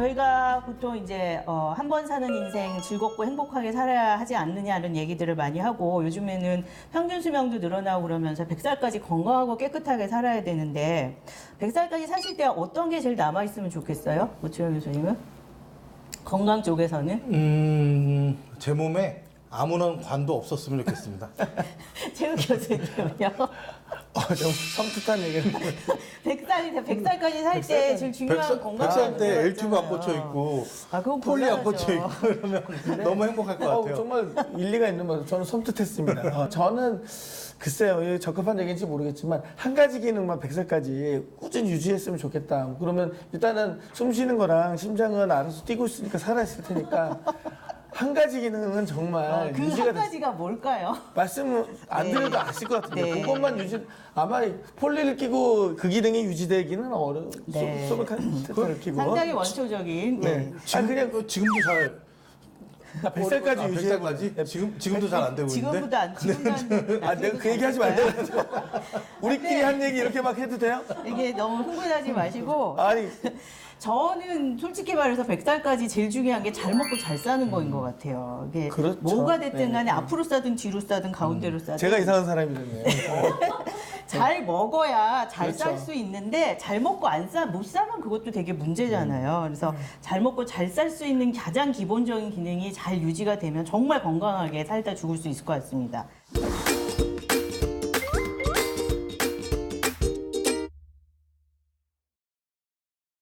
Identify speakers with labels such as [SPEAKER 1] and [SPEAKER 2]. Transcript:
[SPEAKER 1] 저희가 보통 이제 한 번 사는 인생 즐겁고 행복하게 살아야 하지 않느냐는 얘기들을 많이 하고 요즘에는 평균 수명도 늘어나고 그러면서 100살까지 건강하고 깨끗하게 살아야 되는데 100살까지 사실 때 어떤 게 제일 남아있으면 좋겠어요? 오치영 교수님은? 건강 쪽에서는?
[SPEAKER 2] 제 몸에 아무런 관도 없었으면 좋겠습니다.
[SPEAKER 1] 최욱 교수님은요?
[SPEAKER 3] 좀 섬뜩한 얘기를
[SPEAKER 1] 100살까지 살 때 제일 중요한 건강
[SPEAKER 2] 100살 때 L튜브 안 꽂혀 있고
[SPEAKER 1] 그건
[SPEAKER 2] 폴리 안
[SPEAKER 1] 곤란하죠.
[SPEAKER 2] 꽂혀 있고 그러면 너무 행복할 것 같아요.
[SPEAKER 3] 정말 일리가 있는 말. 저는 섬뜩했습니다. 저는 글쎄요, 이게 적합한 얘기인지 모르겠지만 한 가지 기능만 100살까지 꾸준히 유지했으면 좋겠다. 그러면 일단은 숨 쉬는 거랑 심장은 알아서 뛰고 있으니까 살아있을 테니까 한 가지 기능은 정말
[SPEAKER 1] 그
[SPEAKER 3] 유지가
[SPEAKER 1] 한 가지가 뭘까요?
[SPEAKER 3] 말씀 안
[SPEAKER 1] 네.
[SPEAKER 3] 드려도 아실 것 같은데
[SPEAKER 1] 네.
[SPEAKER 3] 그것만 유지 아마 폴리를 끼고 그 기능이 유지되기는 어려워.
[SPEAKER 1] 네.
[SPEAKER 3] 소변카테터를 끼고
[SPEAKER 1] 상당히 원초적인.
[SPEAKER 3] 네.
[SPEAKER 2] 지금,
[SPEAKER 3] 그냥
[SPEAKER 2] 지금도 잘
[SPEAKER 3] 100살까지 유지하고
[SPEAKER 2] 100살까지? 지금도 잘 안 되고 있는데.
[SPEAKER 1] 지금보다 안 지금도 안
[SPEAKER 3] 내가 그 얘기 하지 말자. 우리끼리 한 얘기 이렇게 막 해도 돼요?
[SPEAKER 1] 이게 너무 흥분하지 마시고
[SPEAKER 3] 아니
[SPEAKER 1] 저는 솔직히 말해서 100살까지 제일 중요한 게 잘 먹고 잘 사는 거인 것 같아요. 이게
[SPEAKER 3] 그렇죠.
[SPEAKER 1] 뭐가 됐든 간에
[SPEAKER 3] 네.
[SPEAKER 1] 앞으로 싸든 뒤로 싸든 가운데로 싸든
[SPEAKER 3] 제가 이상한 사람이 됐네요.
[SPEAKER 1] 잘 먹어야 잘 살
[SPEAKER 3] 그렇죠.
[SPEAKER 1] 수 있는데 잘 먹고 못 사면 그것도 되게 문제잖아요. 그래서 잘 먹고 잘 살 수 있는 가장 기본적인 기능이 잘 유지가 되면 정말 건강하게 살다 죽을 수 있을 것 같습니다.